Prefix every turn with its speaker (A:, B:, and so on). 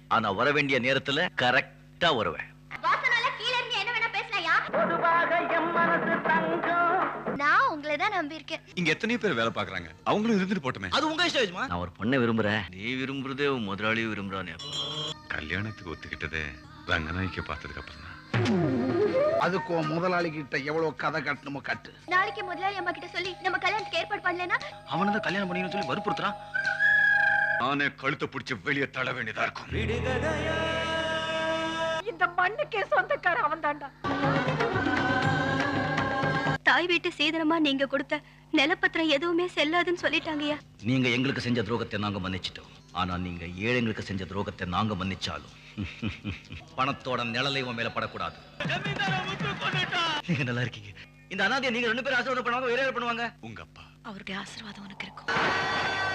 A: ஆனா வர வேண்டிய நேரத்துல கரெக்டா வருவேன்.
B: நான் உங்களை தான் நம்பி இருக்கேன்.
C: இங்க எத்தனை பேர் வேலை பாக்குறாங்க, அவங்களும் இருந்துட்டு போட்டுமே.
A: அது உங்க இஷ்டம். நான் ஒரு பொண்ணை விரும்புறேன், நீ விரும்புறதே முதலாளியும் விரும்புறானே.
C: கல்யாணத்துக்கு ஒத்துக்கிட்டதே ரங்கநாய்க்கு பார்த்ததுக்கு அப்புறம் தான்.
D: அதுக்கு முதலாளி கிட்ட எவ்வளவு கதை கட்டணுமோ கட்டு.
B: நாளைக்கு முதலாளி அம்மா கிட்ட சொல்லி நம்ம கல்யாணத்துக்கு ஏற்பாடு பண்ணலனா
A: அவனை தான் கல்யாணம் பண்ணிக்கணும்னு சொல்லி வற்புறுத்துறான்.
C: நானே கழுத்தை பிடிச்சி வெளியே தள்ள வேண்டியதா இருக்கும்.
E: இந்த மண்ணுக்கே சொந்தக்கார அவன் தாண்டா.
B: தாய் வீட்டு சீதனமா நீங்க கொடுத்த நிலப்பத்திரம் எதுவுமே செல்லாதுன்னு சொல்லிட்டாங்கயா.
A: நீங்க எங்களுக்கு செஞ்ச துரோகத்தை நாங்க மன்னிச்சிட்டோம். ஆனா நீங்க ஏழைங்களுக்கு செஞ்ச துரோகத்தை நாங்க மன்னிச்சாலும் பணத்தோட நிழலை உன் மேல படக்கூடாது. நீங்க நல்லா இருக்கீங்க. இந்த அனாதையை நீங்க 2 பேரும் ஆசீர்வாதம் பண்ணுவாங்க, வேற யார் பண்ணுவாங்க?
C: உங்க அப்பா.
B: அவருடைய ஆசீர்வாதம் உனக்கு இருக்கும்.